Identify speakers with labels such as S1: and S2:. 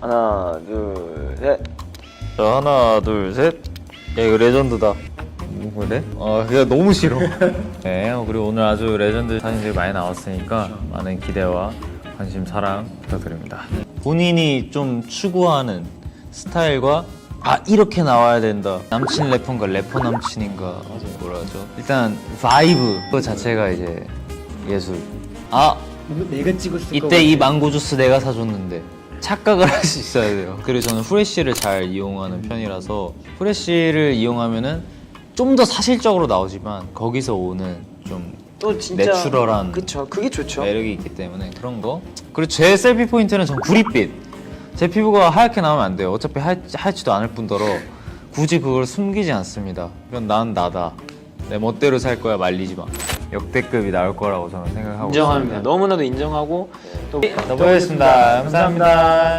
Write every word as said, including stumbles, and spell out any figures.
S1: 하나, 둘, 셋.
S2: 자, 하나, 둘, 셋. 야, 이거 레전드다. 뭐 그래? 어, 그게 너무 싫어. 네, 그리고 오늘 아주 레전드 사진들이 많이 나왔으니까 많은 기대와 관심, 사랑 부탁드립니다. 본인이 좀 추구하는 스타일과 아, 이렇게 나와야 된다. 남친 래퍼인가 래퍼 남친인가 뭐라 하죠? 일단 바이브 그 자체가 이제 예술. 아,
S3: 내가 찍었을
S2: 이때 이 망고 주스 내가 사줬는데 착각을 할 수 있어야 돼요. 그리고 저는 후레쉬를 잘 이용하는 편이라서 후레쉬를 이용하면은 좀 더 사실적으로 나오지만 거기서 오는 좀
S1: 또 진짜
S2: 내추럴한
S1: 그쵸, 그게 좋죠.
S2: 매력이 있기 때문에 그런 거. 그리고 제 셀피 포인트는 전 구릿빛. 제 피부가 하얗게 나오면 안 돼요. 어차피 하, 하얗지도 않을 뿐더러 굳이 그걸 숨기지 않습니다. 그건 난 나다. 내 멋대로 살 거야, 말리지 마. 역대급이 나올 거라고 저는 생각하고
S1: 인정합니다.
S2: 있습니다.
S1: 너무나도 인정하고 또
S2: 더 보겠습니다. 감사합니다.